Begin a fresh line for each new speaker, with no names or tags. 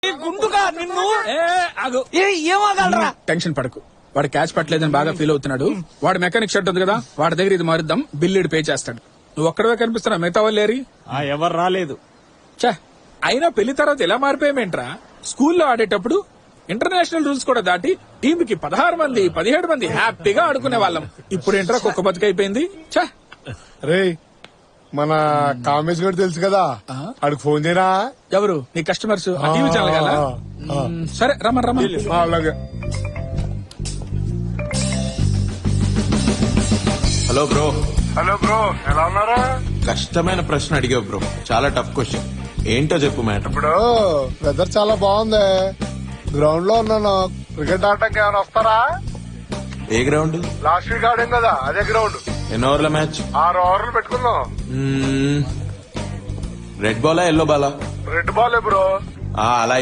గుండుగా నిన్ను
ఆగు.
ఏమగలరా?
టెన్షన్ పడకు, వాడు క్యాచ్ పట్టలేదని బాగా ఫీల్ అవుతున్నాడు. వాడు మెకానిక్ షర్ట్ ఉంది కదా, వాడి దగ్గర ఇది మారుద్దాం, బిల్లుడు పే చేస్తాడు. నువ్వు ఒక్కడవే కనిపిస్తున్నా, మిగతా వాళ్ళు లేరి.
ఎవరు రాలేదు.
ఛే, అయినా పెళ్లి తర్వాత ఎలా మారిపోయామేంట్రా? స్కూల్లో ఆడేటప్పుడు ఇంటర్నేషనల్ రూల్స్ కూడా దాటి టీమ్ కి 16 మంది 17 మంది హ్యాపీగా ఆడుకునే వాళ్ళం. ఇప్పుడు ఏంట్రా కుక్క బతుకైపోయింది. ఛే,
రే మన కామేష్ గారు తెలుసు కదా, ఆడికి ఫోన్ చేయరా.
ఎవరు నీ కస్టమర్స్? టీవీ ఛానల్ కదా. సరే రమ్మని.
అలాగే.
Hello bro.
హలో బ్రో, ఎలా ఉన్నారా?
కష్టమైన ప్రశ్న అడిగావు బ్రో, చాలా టఫ్ క్వశ్చన్. ఏంటో చెప్పు మ్యాటర్.
ఇప్పుడు వెదర్ చాలా బాగుంది, గ్రౌండ్ లో ఉన్నాను. క్రికెట్ ఆడటానికి ఏమైనా వస్తారా?
ఏ గ్రౌండ్?
లాస్ట్ వీక్ ఆడాం కదా, అదే గ్రౌండ్.
ఎన్ని ఓవర్ల మ్యాచ్?
6 ఓవర్లు పెట్టుకుందాం.
రెడ్ బాలా ఎల్లో బాలా?
Red ball bro.
అలా